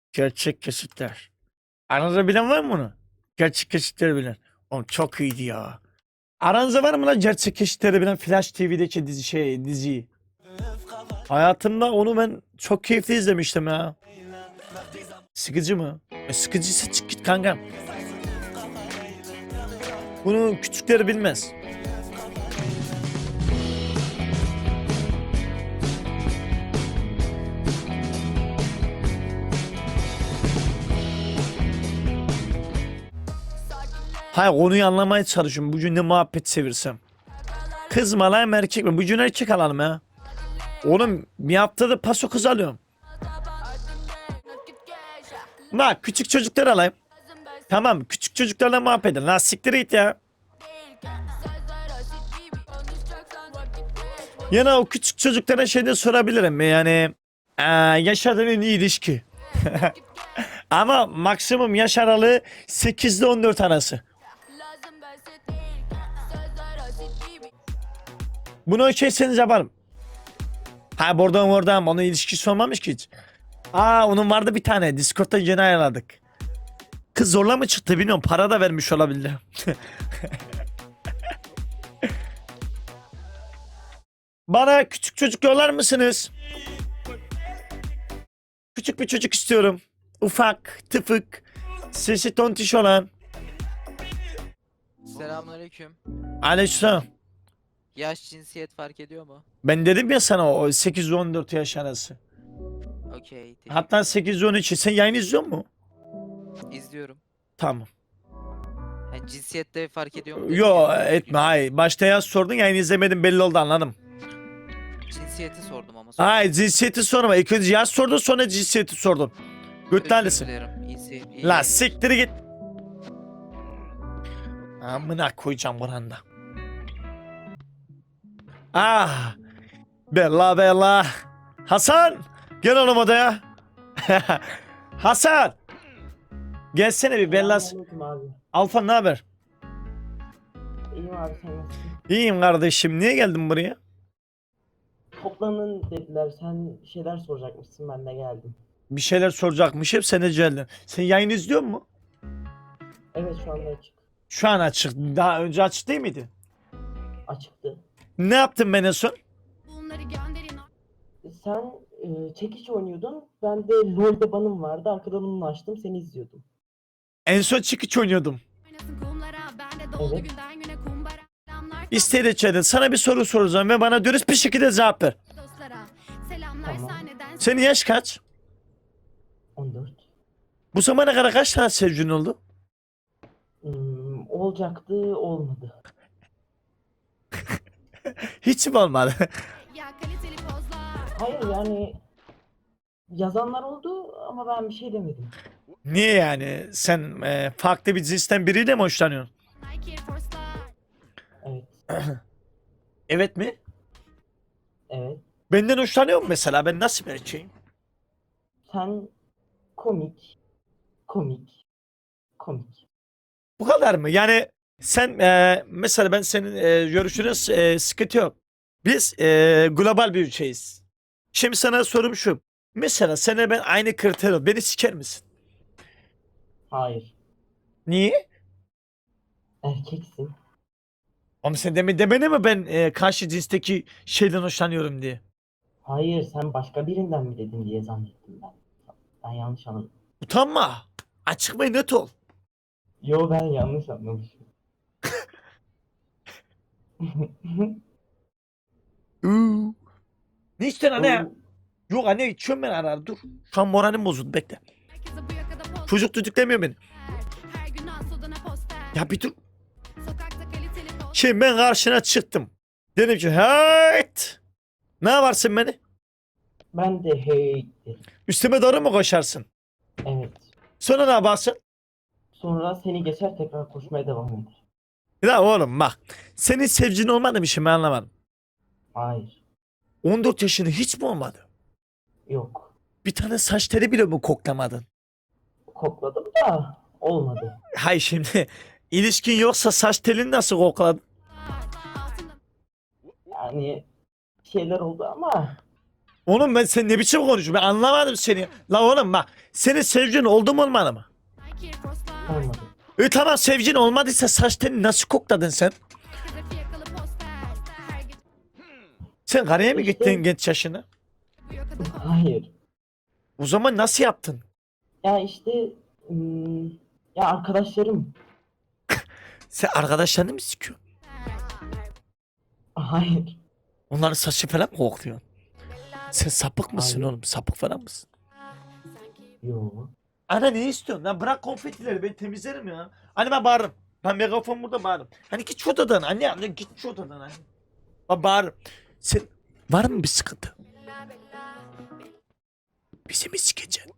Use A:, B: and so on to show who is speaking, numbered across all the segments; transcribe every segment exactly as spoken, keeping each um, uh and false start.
A: Gerçek kesitler. Aranızda bilen var mı bunu? Gerçek kesitleri bilen. Oğlum çok iyiydi ya. Aranızda var mı lan gerçek kesitleri bilen Flash T V'deki dizi şey diziyi? Hayatımda onu ben çok keyifli izlemiştim ya. Sıkıcı mı? E, sıkıcıysa çık git kankam. Bunu küçükleri bilmez. Hayır, konuyu anlamaya çalışıyorum. Bugün ne muhabbet sevirsem. Kız mı alayım erkek mi? Bugün erkek alalım ya. Oğlum bir haftada paso kız alıyorum. Bak küçük çocuklar alayım. Tamam, küçük çocuklarla muhabbet edin. Lan siktir git ya. Yana o küçük çocuklara şey de sorabilirim. Yani ee, yaşadığın en iyi ilişki. Ama maksimum yaş aralığı sekiz ile on dört arası. Bunu okey'seniz yaparım. Ha buradan oradan onun ilişkisi olmamış ki hiç. Aa onun vardı bir tane. Discord'da yeni ayarladık. Kız zorla mı çıktı bilmiyorum. Para da vermiş olabilir. Bana küçük çocuk yollar mısınız? Küçük bir çocuk istiyorum. Ufak, tıfık, sesi tontiş olan.
B: Selamünaleyküm.
A: Aleykümselam.
B: Yaş cinsiyet fark ediyor mu?
A: Ben dedim ya sana o sekiz on dört yaş arası.
B: Okey.
A: Hatta sekiz on üç. Sen yayın izliyor musun?
B: İzliyorum.
A: Tamam.
B: Yani cinsiyette fark ediyor mu? dedin
A: Yo
B: ya.
A: etme hayır. Başta yaz sordun yayın izlemedim belli oldu anladım.
B: Cinsiyeti sordum ama. sonra.
A: Hayır cinsiyeti sorma. İlk önce yaz sordun sonra cinsiyeti sordun.
B: Özür
A: Götlalisin.
B: dilerim. İyisi, iyi.
A: La siktir git. Amına koyacağım buranda. Ah. Bella bella. Hasan. Gel oğlum odaya. Hasan. Gelsene bir Bella.
C: Selamünaleyküm abi.
A: Alfa ne haber?
C: İyiyim abi, sen nasılsın?
A: İyiyim kardeşim. Niye geldin buraya?
C: Toplanın dediler, sen bir şeyler soracakmışsın, ben de geldim.
A: Bir şeyler soracakmışım. Sen de geldin. Sen yayın izliyor musun?
C: Evet, şu anda açık.
A: Şu an açık. Daha önce açık değil miydi?
C: Açıktı.
A: Ne yaptın ben en son?
D: Bunları gönderin.
C: Sen e, çekiç oynuyordun, ben de LoL'de banım vardı, arkadan onu açtım, seni izliyordum.
A: En son çekiç oynuyordum.
D: Oynasın kumlara. Ben de doldu
C: Evet.
D: günden güne kumbara. Selamlar
A: İstedi çede. Sana bir soru soracağım ve bana dürüst bir şekilde cevap ver.
D: dostlara. Selamlar
C: Tamam.
D: sahneden.
A: Senin yaş kaç?
C: on dört.
A: Bu zamana kadar kaç tane sevgilin oldu?
C: Hmm, olacaktı, olmadı.
A: Hiç mi olmadı?
D: Ya kaliteli pozlar.
C: Hayır yani, yazanlar oldu ama ben bir şey demedim.
A: Niye yani? Sen e, farklı bir cinsten biriyle mi hoşlanıyorsun?
D: Nike Air Force'lar.
C: Evet,
A: Evet mi?
C: evet.
A: Benden hoşlanıyor musun mesela? Ben nasıl bir erkeğim?
C: Sen komik, komik, komik.
A: Bu kadar mı? Yani sen e, mesela ben senin e, görüşünüz e, sıkıntı yok. Biz e, global bir ülkeyiz. Şimdi sana sorum şu. Mesela sana ben aynı kriter ol. Beni siker misin?
C: Hayır,
A: Niye?
C: erkeksin.
A: Ama sen demin demene mi ben e, karşı cinsteki şeyden hoşlanıyorum diye?
C: Hayır, sen başka birinden mi dedin diye zannettim ben. Ben yanlış anladım.
A: Utanma. Açık ve net ol.
C: Yo, ben yanlış anlamışım.
A: Uuu. Ne içtin anne ya?
C: Oo,
A: Yok anne içiyorum ben ara ara dur. Şu an moralim bozuldu bekle.
D: Herkese bu yakada poster.
A: Çocuk düdüklemiyor beni.
D: Her gün Asoda'na poster.
A: Ya bir dur.
D: Sokakta kaliteli poster.
A: Şimdi ben karşına çıktım. Dedim ki hayt. Ne yaparsın beni?
C: ben de hey dedim.
A: Üstüme doğru mu koşarsın?
C: Evet.
A: Sonra ne yaparsın?
C: Sonra seni geçer, tekrar koşmaya devam eder.
A: Ya oğlum bak. Senin sevgilin olmadı mı şimdi ben anlamadım.
C: Hayır.
A: on dört yaşında hiç mi olmadı?
C: Yok.
A: Bir tane saç teli bile mi koklamadın?
C: Kokladım da olmadı.
A: Hay şimdi ilişkin yoksa saç telini nasıl kokladın?
D: Altında
C: Yani bir şeyler oldu ama
A: Oğlum ben sen ne biçim konuşuyorsun? Ben anlamadım seni. La oğlum bak. Senin sevgilin oldu mu olmadı mı?
D: Nike Air Force'lar.
C: Olmadı.
A: E tamam sevgilin olmadıysa saç telini nasıl kokladın sen?
D: Herkese fiyakalı poster. Her gece
A: Sen karaya mı
C: İşte-
A: gittin genç yaşına?
D: bu yakada poster.
C: Hayır.
A: O zaman nasıl yaptın?
C: Ya işte hmm, ya arkadaşlarım.
A: Sen arkadaşlarını mı sikiyorsun?
C: Hayır.
A: Onların saçı falan mı kokluyorsun? Sen sapık mısın
C: Hayır.
A: oğlum? Sapık falan mısın?
C: Yo.
A: Ana ne istiyorsun lan? Bırak konfetileri ben temizlerim ya. Hani ben bağırırım. Ben megafon burada bağırırım. Hani git şu odadan anne anne git şu odadan anne. Ben bağırırım. Sen var mı bir sıkıntı? Bizi mi sikeceksin?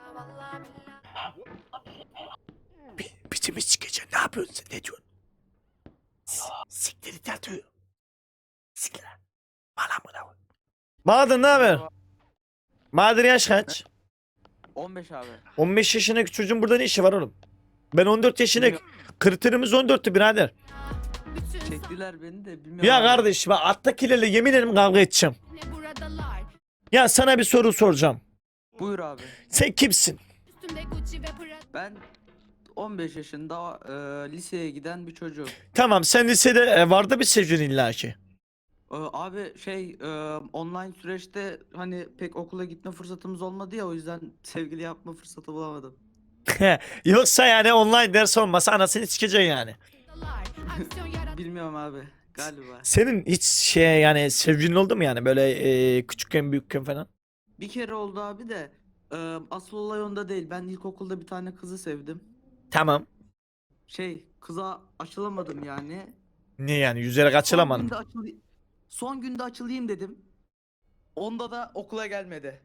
A: Bi bizi mi sikeceksin? Ne yapıyorsun sen? Ne diyorsun? S- Siktir it yatıyor. Siktir lan. Bana mı ne var? Bahadır ne haber? Bahadır yaş kaç?
B: on beş abi.
A: on beş yaşındaki çocuğun burada ne işi var oğlum? Ben on dört yaşındaki kriterimiz on dörttü birader.
D: Bütün
E: Çektiler beni de bilmiyorum.
A: Ya
E: abi.
A: kardeş bak attakilerle yemin ederim kavga edeceğim.
D: ne buradalar.
A: Ya sana bir soru soracağım.
E: Buyur abi.
A: Sen kimsin?
D: Üstümde Gucci ve Prada.
E: Ben on beş yaşında e, liseye giden bir çocuğum.
A: Tamam sen lisede e, vardı bir sevgilin illaki.
E: E, abi şey e, online süreçte hani pek okula gitme fırsatımız olmadı ya, o yüzden sevgili yapma fırsatı bulamadım.
A: Yoksa yani online ders olmasa anasını sikeceksin yani.
D: Aksiyon yarat.
E: Bilmiyorum abi galiba.
A: Senin hiç şey yani sevgilin oldu mu yani böyle e, küçükken büyükken falan?
E: Bir kere oldu abi de e, asıl olay onda değil. Ben ilkokulda bir tane kızı sevdim.
A: Tamam.
E: Şey kıza açılamadım yani.
A: Ne yani yüzerek
E: Son
A: açılamadın.
E: günde, açılı- Son günde açılayım dedim. Onda da okula gelmedi.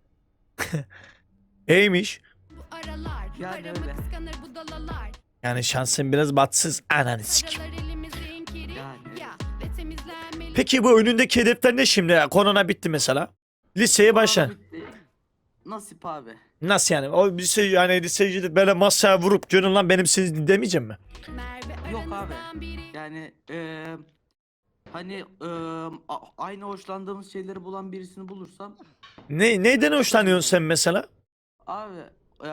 A: İyiymiş.
D: Bu aralar.
E: Yani
D: Paramı
E: öyle.
D: kıskanır bu dalalar.
A: Yani şansın biraz batsız ananı sikim.
D: Paralar elimizin kiri.
E: Yani.
D: Ya ve temizlenmeli.
A: Peki bu önündeki hedefler ne şimdi? Korona bitti mesela. Liseye başla.
E: Sonra bitti. Nasip abi.
A: Nasıl yani? O lise yani liseye gidip böyle masaya vurup görün lan benim sizi demeyeceğim mi?
D: Merve
E: Yok abi.
D: aranızdan biri.
E: Yani eee hani eee, a- aynı hoşlandığımız şeyleri bulan birisini bulursam
A: Ne neyden hoşlanıyorsun sen mesela?
E: abi eee,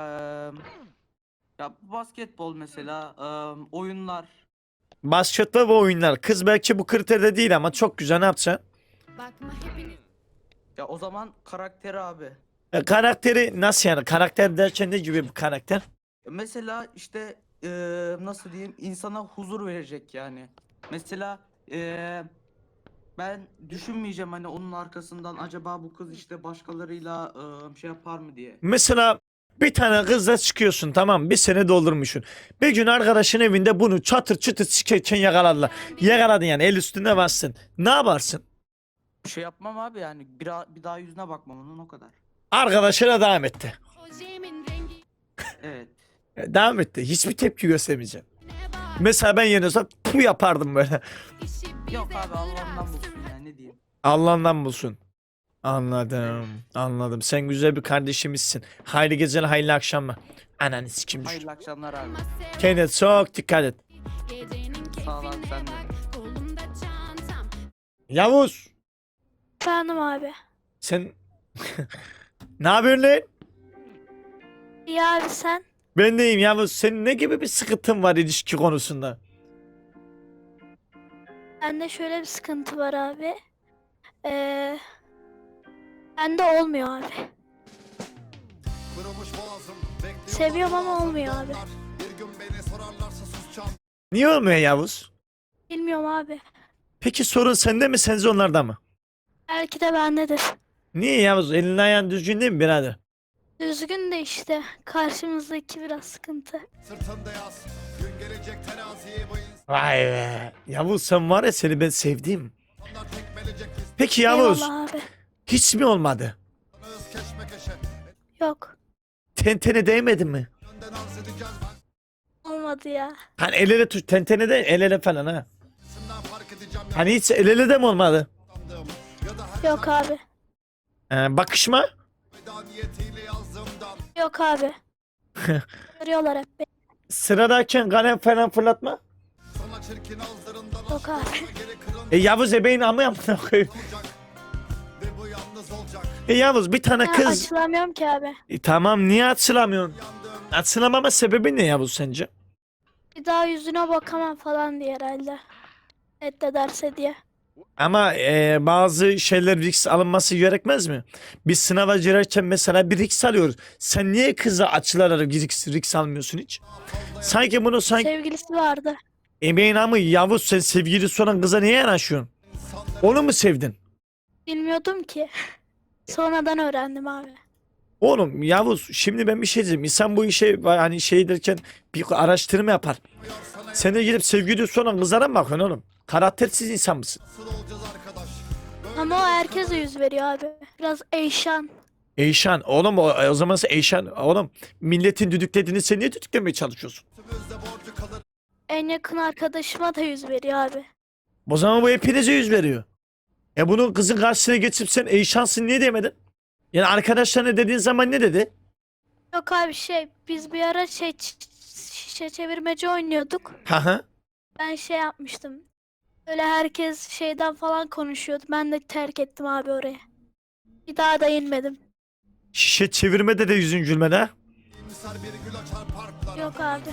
E: ya basketbol mesela, eee, oyunlar.
A: Basketbol ve oyunlar. Kız belki bu kriterde değil ama çok güzel ne yapacaksın?
D: Bakma hepiniz.
E: Ya o zaman karakteri abi.
A: E, karakteri nasıl yani? Karakter derken ne gibi bir karakter?
E: Mesela işte eee, nasıl diyeyim, insana huzur verecek yani. Mesela eee, ben düşünmeyeceğim hani onun arkasından acaba bu kız işte başkalarıyla eee, şey yapar mı diye.
A: Mesela bir tane kızla çıkıyorsun tamam bir sene doldurmuşsun. Bir gün arkadaşın evinde bunu çatır çutur sikerken yakaladılar. Yakaladın yani el üstünde bastın. Ne yaparsın?
E: Bir şey yapmam abi yani bir, bir daha yüzüne bakmam onun, o kadar.
A: Arkadaşına devam etti.
D: Ojemin rengi
E: Evet.
A: E, Devam etti. Hiçbir tepki göstermeyeceğim.
D: ne var?
A: Mesela ben yerine olsam bu yapardım böyle.
D: İşi bize
E: Yok abi Allah'ından bulsun
D: bıraksın.
E: yani, ne diyeyim.
A: Allah'ından bulsun. Anladım. Anladım. Sen güzel bir kardeşimizsin. Hayırlı geceler, hayırlı akşamlar. Ananı sikim düştü.
E: Hayırlı akşamlar abi.
A: Kendine çok dikkat et.
D: Gecenin
E: Sağ ol abi,
D: keyfine
E: sen de.
D: bak. Kolumda çantam.
A: Yavuz.
F: Efendim abi.
A: Sen ne yapıyorsun lan?
F: İyi abi sen?
A: Ben deyim Yavuz. Senin ne gibi bir sıkıntın var ilişki konusunda?
F: Bende şöyle bir sıkıntı var abi. Ee, bende olmuyor abi. Seviyorum ama olmuyor abi.
A: Niye olmuyor Yavuz?
F: Bilmiyorum abi.
A: Peki sorun sende mi sence onlarda mı?
F: Belki de bendedir.
A: Niye Yavuz? Elin ayağın düzgün değil mi birader?
F: Düzgün de işte karşımızdaki biraz sıkıntı.
G: Sırtında yaz, gün gelecek teraziye bu
A: Vay be. Yavuz sen var ya seni ben sevdim.
G: insanlar tekmelecek
A: Peki Yavuz
F: Eyvallah abi.
A: hiç mi olmadı?
G: insanız keşmekeşe.
F: Yok.
A: Tentene değmedi mi?
G: Önden arz edeceğiz ben.
F: Olmadı ya.
A: Hani el ele tut tentene de el ele falan ha.
G: Sından fark edeceğim
A: Hani hiç el ele de mi olmadı?
G: yaptığım ya da her
F: Yok abi.
A: Ee, bakışma?
G: veda niyetiyle yazdığımdan.
F: Yok abi. Görüyorlar hep beni.
A: Sıradayken kalem falan fırlatma.
G: Sana çirkin ağızlarından
F: Yok
G: aşk
F: abi.
G: olsa geri kırın
A: E Yavuz ebeğin amı yapma koyayım.
G: olacak. Ve bu yalnız olacak.
A: E Yavuz bir tane
F: Ha,
A: kız.
F: açılamıyorum ki abi.
A: E, tamam niye açılamıyorsun? Açılamama sebebi ne Yavuz sence?
F: Bir daha yüzüne bakamam falan diye herhalde. Reddederse diye.
A: Ama e, bazı şeyler risk alınması gerekmez mi? Biz sınava girerken mesela bir risk alıyoruz. Sen niye kıza açılarak risk, risk almıyorsun hiç? Sanki bunu sanki
F: Sevgilisi vardı.
A: emeğin ama Yavuz sen sevgilisi olan kıza niye yanaşıyorsun? Onu mu sevdin?
F: Bilmiyordum ki. Sonradan öğrendim abi.
A: Oğlum Yavuz şimdi ben bir şey diyeyim. İnsan bu işe hani şey derken bir araştırma yapar. Sen de gidip sevgilisi olan kızlara mı bakıyorsun oğlum? Karaktersiz insan mısın?
G: Nasıl olacağız arkadaş?
F: Ama o herkese yüz veriyor abi. Biraz Eyşan.
A: Eyşan oğlum o, o zaman sen Eyşan oğlum milletin düdüklediğini sen niye düdüklemeye çalışıyorsun?
G: Üstümüzde borcu kalır.
F: En yakın arkadaşıma da yüz veriyor abi.
A: O zaman bu hepinize yüz veriyor. E bunun kızın karşısına geçip sen Eyşansın niye demedin? Yani arkadaşlarına dediğin zaman ne dedi?
F: Yok abi şey biz bir ara şey ç- şişe çevirmece oynuyorduk.
A: Ha ha.
F: Ben şey yapmıştım. Öyle herkes şeyden falan konuşuyordu. Ben de terk ettim abi orayı. Bir daha da inmedim.
A: Şişe çevirmede de yüzün gülmedi ha?
G: İmsar bir gül açar parklara.
F: Yok abi.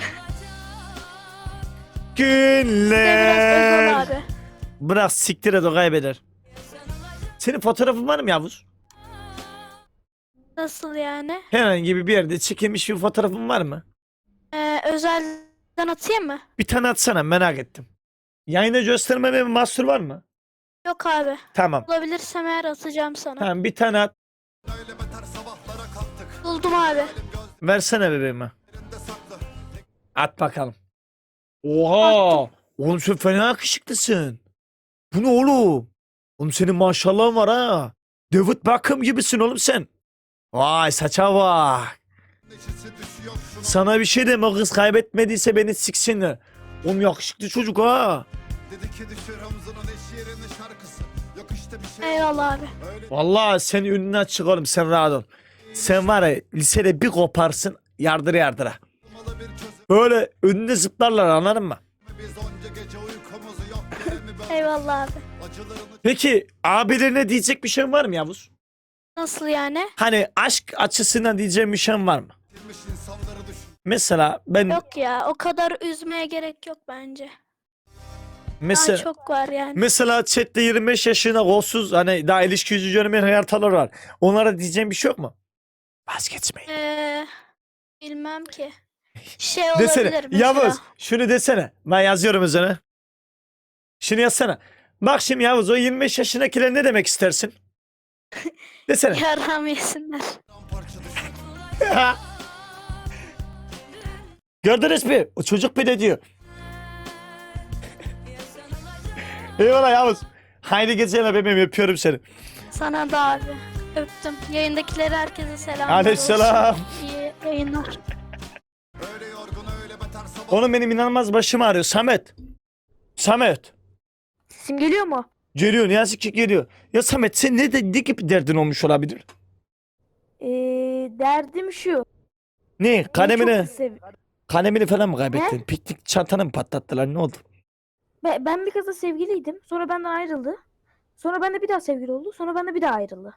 F: Bir de biraz
A: Günler.
F: egolu abi.
A: Bırak siktir et o kaybeder. Senin fotoğrafın var mı Yavuz?
F: Nasıl yani?
A: Herhangi bir yerde çekilmiş bir fotoğrafın var mı?
F: Ee, özelden atayım mı?
A: Bir tane atsana merak ettim. Yayına göstermeme bir mahsur var mı?
F: Yok abi.
A: Tamam.
F: Bulabilirsem eğer atacağım sana.
A: Tamam bir tane at.
G: Öyle beter sabahlara kalktık.
F: Buldum abi.
A: Versene bebeğime.
G: Gözlerinde saklı.
A: At bakalım. Oha! Oğlum sen fena yakışıklısın. Bu ne oğlum? Oğlum senin maşallahın var ha. David Beckham gibisin oğlum sen. Vay saça bak.
G: Neşesi düşüyor şunun.
A: Sana bir şey deme o kız kaybetmediyse beni siksinler. Oğlum yakışıklı çocuk ha.
G: Dedi ki düşür omzunun eş yerine şarkısı. Yok işte bir şey.
F: Eyvallah abi.
G: Öyle
A: Vallahi sen ünlü açık oğlum sen rahat ol. Sen var ya lisede bir koparsın yardıra yardıra.
G: olmalı bir çözüm.
A: Böyle önüne zıplarlar anladın mı?
G: Biz onca gece uykumuzu yok diye mi böyle
F: Eyvallah abi.
G: acılarını
A: Peki abilerine diyecek bir şey var mı Yavuz?
F: Nasıl yani?
A: Hani aşk açısından diyeceğim bir şey var mı?
G: çekilmiş insanları düşün.
A: Mesela ben
F: Yok ya o kadar üzmeye gerek yok bence.
A: mesela
F: Daha çok var yani.
A: mesela chatte yirmi beş yaşına kolsuz hani daha ilişki yüzü görmeyen hayatalar var. Onlara diyeceğim bir şey yok mu? Vazgeçmeyin.
F: Ee, bilmem ki. Şey
A: Desene.
F: olabilir mesela.
A: Yavuz şunu desene. Ben yazıyorum üzerine. Şunu yazsana. Bak şimdi Yavuz o yirmi beş yaşındakiler ne demek istersin? Desene.
F: Yaram yesinler.
G: Parça düşün.
A: Gördünüz mü? O çocuk bir de diyor. Eyvallah Yavuz. Haydi geceler bebeğim öpüyorum seni.
F: Sana da abi. Öptüm. Yayındakileri herkese selamlar.
A: Aleykümselam.
F: olsun. İyi yayınlar.
G: Öyle yorgun öyle beter sabah.
A: Oğlum benim inanılmaz başım ağrıyor. Samet. Samet.
F: Sesim geliyor mu?
A: Geliyor ne yazık ki geliyor. Ya Samet sen ne, de, ne gibi derdin olmuş olabilir?
H: Ee, derdim şu.
A: Ne?
H: beni
A: Kalemini,
H: çok sev-
A: kalemini falan mı kaybettin? Piknik çantanı mı patlattılar? Ne oldu?
H: Ben, ben bir kızla sevgiliydim. Sonra benden ayrıldı. Sonra bende bir daha sevgili oldu. Sonra bende bir daha ayrıldı.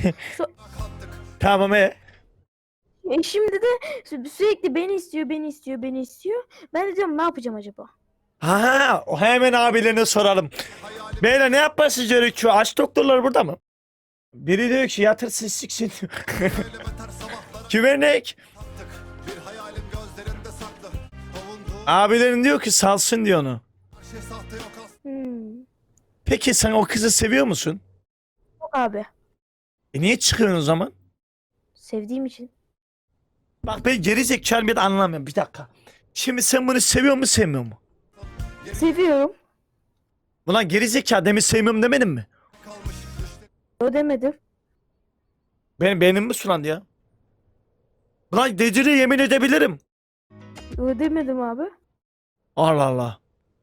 A: Tamam e.
H: E şimdi de sü- sürekli beni istiyor, beni istiyor, beni istiyor. Ben de diyorum ne yapacağım acaba?
A: Ha, o hemen abilerine soralım. Beyler ne yapması gerekiyor? Aç doktorlar burada mı? Biri diyor ki yatırsın siksin.
G: Öyle beter sabahlara
A: Güvenek.
G: kalktık. Bir hayalim gözlerinde saklı. Avunduğum
A: Abilerin diyor ki salsın diyor onu.
G: her şey sahte yok aslında.
H: Hmm.
A: Peki sen o kızı seviyor musun?
H: Yok abi.
A: E niye çıkıyorsun o zaman?
H: Sevdiğim için.
A: Bak ben geri zekalı bir de anlamıyorum. Bir dakika. Şimdi sen bunu seviyor mu sevmiyor mu?
H: Seviyorum.
A: Ulan geri zekalı demin sevmiyorum demedin mi?
G: Kalmış düşlerim.
H: O demedim.
A: Benim beynim mi sulandı ya? Ulan decili yemin edebilirim.
H: O demedim abi.
A: Allah Allah.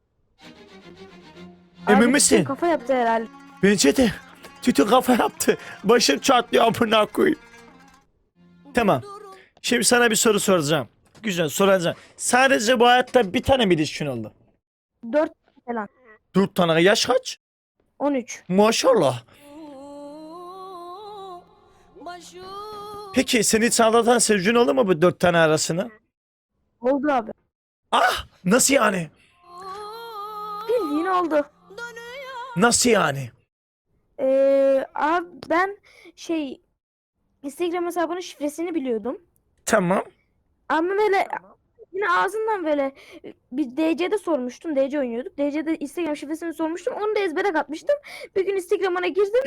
A: Emin
H: Abi
A: misin?
H: bütün kafa yaptı herhalde.
A: Bence de. Tütün kafa yaptı. Başım çatlıyor amına koyayım. Tamam. Şimdi sana bir soru soracağım. Güzel soracağım. Sadece bu hayatta bir tane mi ilişkin oldu?
H: Dört falan.
A: Dört tane. Yaş kaç?
H: On üç.
A: Maşallah. Peki seni hiç aldatan sevgilin oldu mu bu dört tane arasına?
H: Oldu abi.
A: Ah! Nasıl yani?
H: Bildiğin oldu.
A: Nasıl yani?
H: Ee, abi ben şey Instagram hesabının şifresini biliyordum.
A: Tamam.
H: Ama böyle yine ağzından böyle bir D C'de sormuştum. D C oynuyorduk. D C'de Instagram şifresini sormuştum. Onu da ezbere katmıştım. Bir gün Instagram'ına girdim.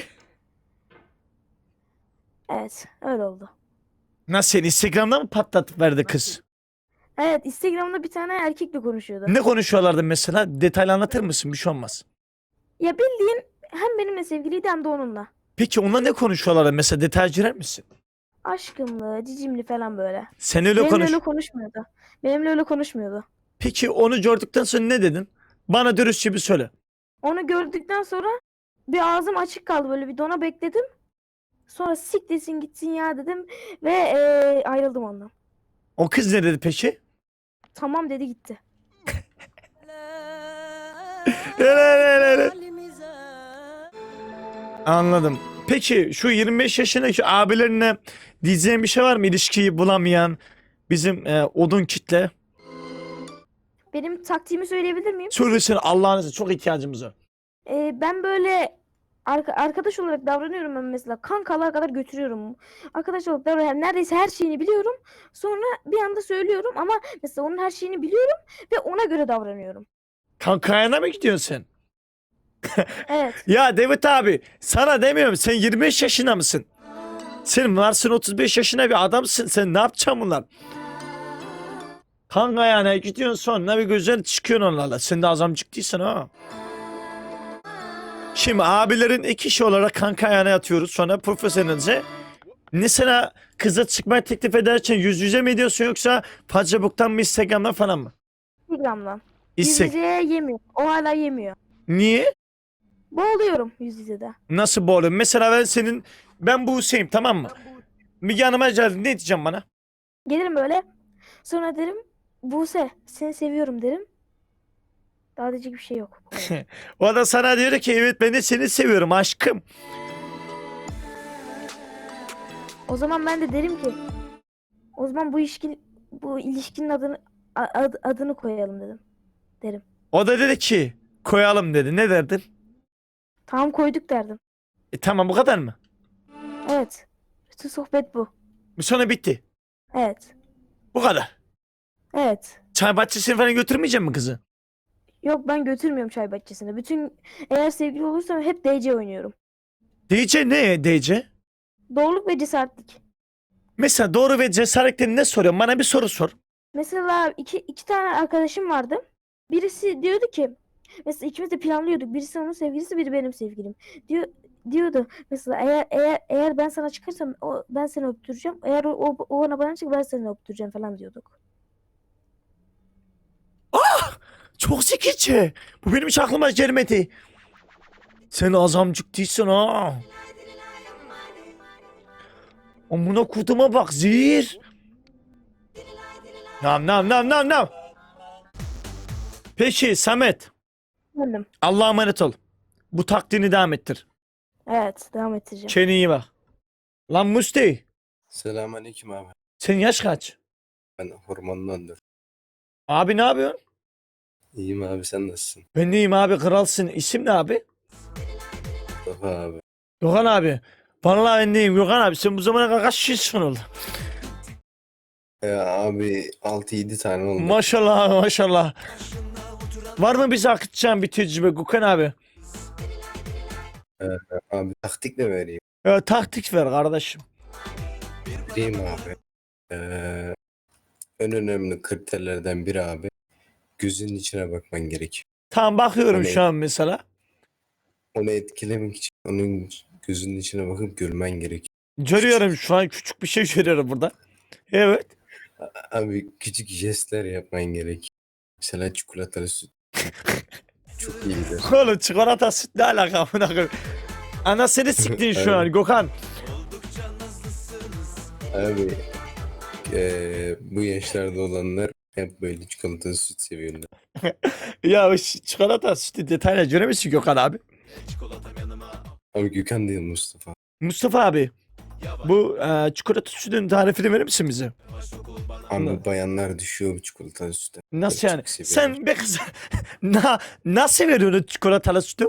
H: Evet, öyle oldu.
A: Nasıl seni Instagram'da mı patlatıp verdi kız?
H: Evet, Instagram'da bir tane erkekle konuşuyordu.
A: Ne konuşuyorlardı mesela? Detaylı anlatır mısın? Bir şey olmaz.
H: Ya bildiğin hem benimle sevgiliydi hem de onunla.
A: Peki onunla ne konuşuyorlardı? Mesela detay girer misin?
H: Aşkımlı, cicimli falan böyle.
A: Sen öyle
H: Benimle
A: konuş.
H: öyle konuşmuyordu. Benimle öyle konuşmuyordu.
A: Peki onu gördükten sonra ne dedin? Bana dürüstçe bir söyle.
H: Onu gördükten sonra bir ağzım açık kaldı, böyle bir dona bekledim. Sonra siktirsin gitsin ya dedim ve eee, ayrıldım ondan.
A: O kız ne dedi peki?
H: Tamam dedi gitti.
A: Anladım. Peki şu yirmi beş yaşındaki abilerine diyeceğin bir şey var mı? İlişkiyi bulamayan bizim e, odun kitle.
H: Benim taktiğimi söyleyebilir miyim?
A: Söylesin Allah'ınızı, çok ihtiyacımız var.
H: Eee, ben böyle arka- arkadaş olarak davranıyorum, ben mesela kankalar kadar götürüyorum. Arkadaş olarak davranıyorum. Neredeyse her şeyini biliyorum. Sonra bir anda söylüyorum ama mesela onun her şeyini biliyorum ve ona göre davranıyorum.
A: Kankayana mı gidiyorsun sen?
H: Evet.
A: Ya David abi sana demiyorum, sen yirmi beş yaşında mısın? Sen varsın otuz beş yaşında bir adamsın, sen ne yapacaksın bunlar? Kankayana gidiyorsun, sonra bir güzel çıkıyorsun onlarla. Sen de azamcık değilsin ha. Şimdi abilerin iki kişi olarak kankayana yatıyoruz, sonra profesyonelce. Mesela kıza çıkmayı teklif ederken yüz yüze mi ediyorsun yoksa Facebook'tan mı Instagram'dan falan mı?
H: Instagram'dan. Yüz
A: İstek.
H: yüzeye yemiyor. O hala yemiyor.
A: Niye?
H: Boğuluyorum yüz yüzede. Nasıl
A: Bu oğlum? Mesela ben senin, ben Buse'yim tamam mı? Bir yanıma geldin, ne diyeceğim bana?
H: Gelirim böyle. Sonra derim Buse seni seviyorum derim. Daha diyecek bir şey yok.
A: O da sana diyor ki evet ben de seni seviyorum aşkım.
H: O zaman ben de derim ki o zaman bu ilişkin bu ilişkinin adını a- ad- adını koyalım dedim. Derim.
A: O da dedi ki koyalım dedi. Ne derdin?
H: Tamam koyduk derdim.
A: E tamam, bu kadar mı?
H: Evet. Bütün sohbet bu.
A: Sonra bitti.
H: Evet.
A: Bu kadar.
H: Evet.
A: Çay bahçesine falan götürmeyecek mi kızı?
H: Yok ben götürmüyorum çay bahçesine. Bütün eğer sevgili olursam hep D C oynuyorum.
A: D J ne D J?
H: Doğruluk ve cesaretlik.
A: Mesela doğru ve cesaretli ne soruyorum? Bana bir soru sor.
H: Mesela iki, iki tane arkadaşım vardı. Birisi diyordu ki mesela ikimiz de planlıyorduk. Birisi onun sevgilisi, biri benim sevgilim. Diyor diyordu mesela eğer eğer eğer ben sana çıkarsam o ben seni öptüreceğim. Eğer o, o, o bana bana çık ben seni öptüreceğim falan diyorduk.
A: Çok zekice. Bu benim hiç aklıma gelmedi. Sen azamcık değilsin ha. Amına kutuma bak zehir. Nam nam nam nam nam. Peki Samet.
H: Efendim.
A: Allah'a emanet ol. Bu taktiğini devam ettir.
H: Evet devam edeceğim.
A: Kendine iyi bak. Lan Musti.
I: Selamünaleyküm abi.
A: Senin yaş kaç?
I: Ben hormonlandım.
A: Abi ne yapıyorsun?
I: İyiyim abi, sen nasılsın?
A: Ben deyim abi, kralsın. İsim ne abi?
I: Mustafa abi.
A: Gökhan abi. Vallahi ben deyim Gökhan abi. Sen bu zamana kadar kaç kişisin oldu?
I: Ya abi altı yedi tane oldu.
A: Maşallah maşallah. Var mı bize akıtacağın bir tecrübe Gökhan abi?
I: Abi taktik de vereyim.
A: Ya, taktik ver kardeşim.
I: Vereyim abi. Ee, en önemli kriterlerden biri abi. Gözünün içine bakman gerekiyor.
A: Tamam bakıyorum
I: Hani-
A: şu an mesela.
I: Onu etkilemek için onun gözünün içine bakıp gülmen gerekiyor.
A: Görüyorum şu an, küçük bir şey görüyorum burada. Evet.
I: Abi küçük jestler yapman gerekiyor. Mesela çikolatalı süt. Çok iyi gider.
A: Oğlum çikolata süt ne alaka amına koyayım? Anasını siktin şu an Gökhan.
I: Abi eee, bu yaşlarda olanlar hep böyle çikolatalı süt seviyorlar.
A: Ya o ş- çikolata sütü detayla göremişsin Gökhan abi.
I: Abi Gökhan değil, Mustafa.
A: Mustafa abi. Bu e, çikolata sütünün tarifini verir misin bize?
I: Abi bayanlar düşüyor bu çikolatalı sütte.
A: Nasıl
I: Çok
A: yani?
I: seviyorlar.
A: Sen be kız na, nasıl veriyorsun çikolatalı sütü?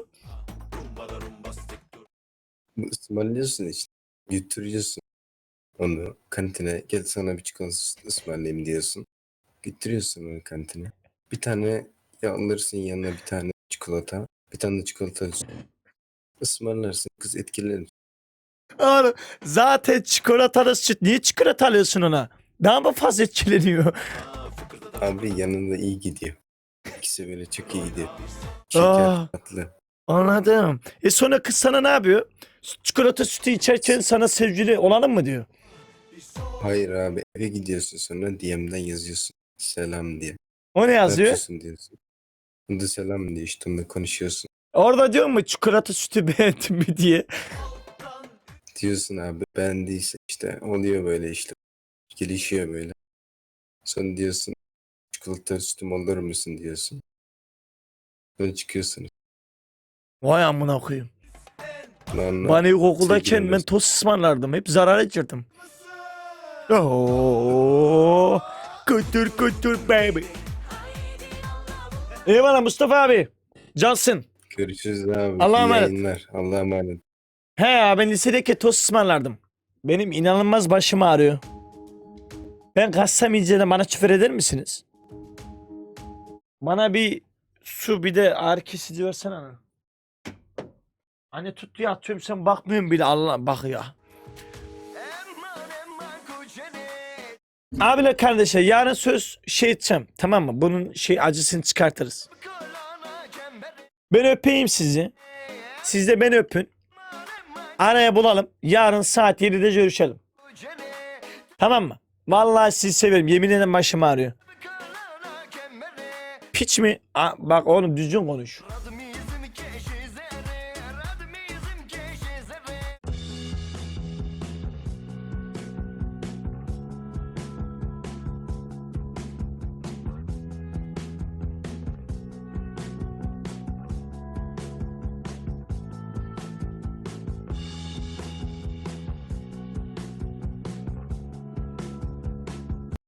I: Bu ısmarlıyorsun işte. Götürüyorsun. Onu kantine gel sana bir çikolata süt ısmarlayayım diyorsun. Götürüyorsun onu kantine. Bir tane ya alırsın yanına bir tane çikolata. Bir tane de çikolatalı süt. Ismarlarsın. Kız etkilenir.
A: Oğlum zaten çikolatalı süt. Niye çikolata alıyorsun ona? Daha mı fazla etkileniyor?
I: Abi yanında iyi gidiyor. İkisi böyle çok iyi gidiyor. Şeker,
A: Aa.
I: tatlı.
A: Anladım. E sonra kız sana ne yapıyor? Çikolata sütü içerken sana sevgili olalım mı diyor.
I: Hayır abi eve gidiyorsun sonra D M'den yazıyorsun. Selam diye.
A: O ne
I: Ne
A: yazıyor?
I: yapıyorsun diyorsun. Onda selam diyor işte onunla konuşuyorsun.
A: Orada diyor mu çikolata sütü beğendin mi diye.
I: Diyorsun abi beğendiyse işte oluyor böyle işte. Gelişiyor böyle. Sonra diyorsun çikolata sütüm olur musun diyorsun. Sonra çıkıyorsun.
A: Vay amına koyayım.
I: Onunla
A: Ben ilkokuldayken
I: sevgili
A: ben
I: oluyorsun.
A: tost ısmarlardım. Hep zarar ettirdim. Oo, kutur kutur baby. Eyvallah Mustafa abi. Cansın.
I: Görüşürüz abi.
A: Allah'a
I: İyi
A: emanet.
I: yayınlar. Allah'a emanet.
A: He ya ben lisedeki tost ısmarlardım. Benim inanılmaz başım ağrıyor. Ben kassam inceden bana küfür eder misiniz? Bana bir su bir de ağrı kesici versene ana. Anne tut diye atıyorum sen bakmıyorsun bile Allah bak ya. Abiler kardeşler yarın söz şey edeceğim tamam mı? Bunun şey acısını çıkartırız. Ben öpeyim sizi. Siz de beni öpün. Araya bulalım. Yarın saat yedide görüşelim. Tamam mı? Vallahi sizi severim. Yemin ederim başım ağrıyor. Piç mi? Aa, bak oğlum düzgün konuş.